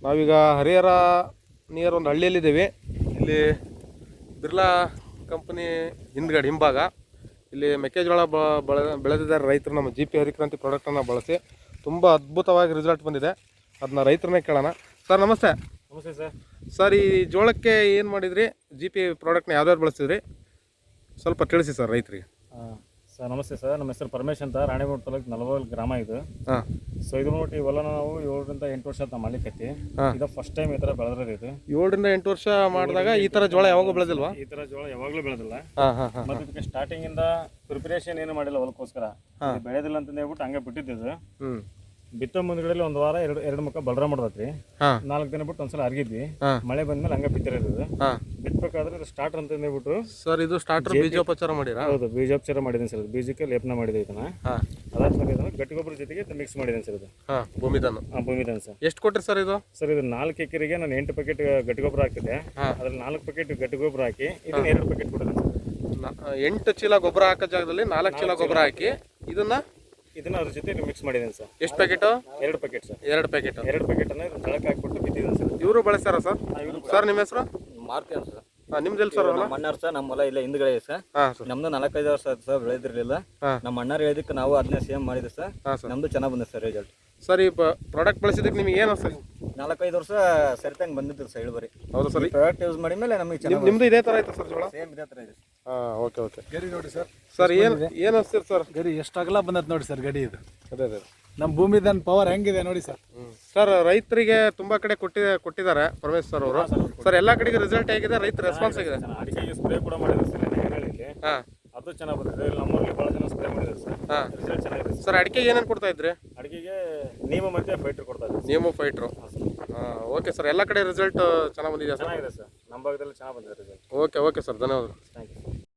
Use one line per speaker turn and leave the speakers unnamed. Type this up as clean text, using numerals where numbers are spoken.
ನಾವೀಗ ಹರಿಹರ ನಿಯರ್ ಒಂದು ಹಳ್ಳಿಯಲ್ಲಿದ್ದೀವಿ. ಇಲ್ಲಿ ಬಿರ್ಲಾ ಕಂಪನಿ ಹಿಂಭಾಗ ಇಲ್ಲಿ ಮೆಕ್ಕೆಜೋಳ ಬೆಳೆದಿದ್ದಾರೆ ರೈತರು. ನಮ್ಮ GP ಹರಿಕ್ರಾಂತಿ ಪ್ರಾಡಕ್ಟನ್ನು ಬಳಸಿ ತುಂಬ ಅದ್ಭುತವಾಗಿ ರಿಸಲ್ಟ್ ಬಂದಿದೆ. ಅದನ್ನ ರೈತರನ್ನೇ ಕೇಳೋಣ. ಸರ್ ನಮಸ್ತೆ.
ನಮಸ್ತೆ ಸರ್.
ಸರ್ ಈ ಜೋಳಕ್ಕೆ ಏನು ಮಾಡಿದ್ರಿ? GP ಪ್ರಾಡಕ್ಟ್ನ ಯಾವ್ದಾದ್ರು ಬಳಸಿದ್ರಿ? ಸ್ವಲ್ಪ ತಿಳಿಸಿ ಸರ್ ರೈತರಿಗೆ.
ಸರ್ ನಮಸ್ತೆ ಸರ್. ನಮ್ಮ ಹೆಸರು ಪರಮೇಶ್ ಅಂತ, ರಾಣಿಬೆನ್ನೂರು ತಾಲೂಕು ನಲವಲ್ ಗ್ರಾಮ ಇದು. ಸೊ ಇದು ನೋಡಿ ಇವೆಲ್ಲ ನಾವು 7 ರಿಂದ 8 ವರ್ಷ ನಾವು ಮಾಡ್ಲಿಕ್ಕೆ ಇದು ಫಸ್ಟ್ ಟೈಮ್ ಈ ಥರ ಬೆಳೆದ್ರೆ ಇದು
7 ರಿಂದ 8 ವರ್ಷ ಮಾಡಿದಾಗ ಈ ಥರ ಜೋಳ ಯಾವಾಗೂ ಬೆಳೆದಿಲ್ವಾ?
ಈ ಥರ ಜೋಳ ಯಾವಾಗಲೂ ಬೆಳೆದಿಲ್ಲ. ಮತ್ತೆ ಇದಕ್ಕೆ ಸ್ಟಾರ್ಟಿಂಗ್ ಇಂದ ಪ್ರಿಪರೇಷನ್ ಏನು ಮಾಡಿಲ್ಲ ಹೊಲಕ್ಕೋಸ್ಕರ. ಬೆಳೆದಿಲ್ಲ ಅಂತ ಹೇಳ್ಬಿಟ್ಟು ಹಂಗೆ ಬಿಟ್ಟಿದ್ದು. ಬಿತ್ತೋ ಮುಂದ್ಗಡೆ ಒಂದು ವಾರ ಎರಡು ಮುಖ ಬಲರ ಮಾಡ್ದತ್ರಿ. 4 ದಿನ ಬಿಟ್ಟು ಒಂದ್ಸಲ ಅರ್ಗಿದ್ವಿ. ಮಳೆ ಬಂದ್ಮೇಲೆ ಹಂಗೆ ಬಿತ್ತಿರೋದು. ಬಿತ್ತಬೇಕಾದ್ರೆ ಇದು ಸ್ಟಾರ್ಟರ್ ಅಂತ ಹೇಳ್ಬಿಟ್ಟು
ಸರ್ ಇದು ಸ್ಟಾರ್ಟರ್ ಬೀಜೋಪಚಾರ ಮಾಡಿರಾ?
ಹೌದು, ಬೀಜೋಪಚಾರ ಮಾಡಿದ್ದೀನಿ ಸರ್. ಬೀಜಕ್ಕೆ ಲೇಪನ ಮಾಡಿದೆ ಇದನ್ನ. ಅದಾದ್ಮೇಲೆ ಇದನ್ನ ಗಟ್ಟಿ ಗೊಬ್ಬರ ಜೊತೆಗೆ ಮಿಕ್ಸ್ ಮಾಡಿದ್ದೀನಿ ಸರ್. ಇದು ಭೂಮಿದಾನ ಸರ್.
ಎಷ್ಟು ಕೊಟ್ರಿ ಸರ್ ಇದು?
ಸರ್ ಇದು 4 ಎಕರೆಗೆ ನಾನು 8 ಪ್ಯಾಕೆಟ್ ಗಟ್ಟಿ ಗೊಬ್ಬರ ಹಾಕಿದೆ. ಅದ್ರಲ್ಲಿ 4 ಪ್ಯಾಕೆಟ್ ಗಟ್ಟಿ ಗೊಬ್ಬರ ಹಾಕಿ ಇದನ್ನ 2 ಪ್ಯಾಕೆಟ್ ಕೊಟ್ಟಿದ್ದೀನಿ ಸರ್.
8 ಚೀಲ ಗೊಬ್ಬರ ಹಾಕೋ ಜಾಗದಲ್ಲಿ 4 ಚೀಲ ಗೊಬ್ಬರ ಹಾಕಿ ಇದನ್ನ
ಅದ್ರ ಜೊತೆ ಮಿಕ್ಸ್ ಮಾಡಿದ್ದೀನಿ ಸರ್.
ಎಷ್ಟು packet?
2 packet sir.
2 packet.
2 packet ಅನ್ನ ಜಳಕ್ಕೆ ಹಾಕ್ಬಿಟ್ಟು ಬಿತ್ತಿದ್ದೀನಿ ಸರ್.
ಇವರು ಬಳಸ್ತಾರ ಸರ್? ಸರ್ ನಿಮ್ಮ ಹೆಸರು?
ಮಾರುತಿ ಅಂತ ಸರ್.
ನಿಮ್ದೆಲ್ಲ ಸರ್?
ನಮ್ಮ ಅಣ್ಣಾರು ಸರ್. ನಮ್ಮ ಹೊಲ ಇಲ್ಲ ಹಿಂದ್ಗಡೆ ಸರ್. ನಮ್ದು 4-5 ವರ್ಷ ಆಯ್ತು ಸರ್ ಬೆಳೆದಿರ್ಲಿಲ್ಲ. ನಮ್ಮ ಅಣ್ಣಾರು ಹೇಳಿದಕ್ಕೆ ನಾವು ಅದನ್ನೇ ಸೇಮ್ ಮಾಡಿದ್ವಿ ಸರ್. ನಮ್ದು ಚೆನ್ನಾಗಿ ಬಂದಿದೆ ಸರ್ ರಿಸಲ್ಟ್.
ಸರ್ ಈ ಪ್ರಾಡಕ್ಟ್ ಬಳಸಿದಕ್ಕೆ ನಿಮಗೆ ಏನು ಸರ್?
4-5 ವರ್ಷ ಸರಿತಂಗೆ ಬಂದಿದ್ರು ಸರ್ ಇಳುವರಿ.
ಹೌದು ಸರ್.
ಪ್ರಾಡಕ್ಟ್ ಯೂಸ್ ಮಾಡಿ ಮೇಲೆ ನಮಗೆ ಚೆನ್ನಾಗಿ.
ನಿಮ್ದು ಇದೇ ಥರ ಆಯ್ತು ಸರ್ ಜೋಳ?
ಸೇಮ್ ಇದೇ ಥರ ಇದೆ.
ಓಕೆ.
ಗರಿ ನೋಡಿ ಸರ್.
ಸರ್ ಏನು ಅನ್ಸ್ತೀರಿ ಸರ್?
ಗರಿ ಎಷ್ಟು ಅಗಲ ಬಂದತ್ ನೋಡಿ ಸರ್ ಗಡಿ ಇದು.
ಅದೇ
ನಮ್ಮ ಭೂಮಿದನ್ ಪವರ್ ಹೆಂಗಿದೆ ನೋಡಿ ಸರ್.
ಸರ್ ರೈತರಿಗೆ ತುಂಬಾ ಕಡೆ ಕೊಟ್ಟಿದ್ದಾರೆ ಪರಮೇಶ್ ಸರ್ ಅವರು. ಸರ್ ಎಲ್ಲ ಕಡೆಗೆ ರಿಸಲ್ಟ್ ಹೇಗಿದೆ? ರೈತ ರೆಸ್ಪಾನ್ಸ್ ಆಗಿದೆ?
ಅಡಿಕೆಗೆ ಸ್ಪ್ರೇ ಕೂಡ ಮಾಡಿದ್ರು ಸರ್. ಅದು ಚೆನ್ನಾಗಿ ಬಂದಿದೆ. ನಮ್ಮೂರಲ್ಲಿ ಭಾಳ ಜನ ಸ್ಪ್ರೇ ಮಾಡಿದ್ರು ಸರ್. ರಿಸಲ್ಟ್ ಚೆನ್ನಾಗಿದೆ
ಸರ್. ಅಡಿಕೆಗೆ ಏನೇನು ಕೊಡ್ತಾ ಇದ್ರಿ?
ಅಡಿಕೆಗೆ ನೀಮು ಮತ್ತೆ ಫೈಟರ್ ಕೊಡ್ತಾ ಇದ್ರಿ.
ನೀಮು ಫೈಟ್ರು. Okay sir. ಎಲ್ಲ ಕಡೆ ರಿಸಲ್ಟ್ ಚೆನ್ನಾಗಿ ಬಂದಿದೆ ಸರ್?
ಚೆನ್ನಾಗಿದೆ ಸರ್. ನಮ್ಮ ಭಾಗದಲ್ಲಿ ಚೆನ್ನಾಗಿ ಬಂದಿದೆ ರಿಸಲ್ಟ್.
ಓಕೆ ಸರ್, ಧನ್ಯವಾದಗಳು.
Thank you.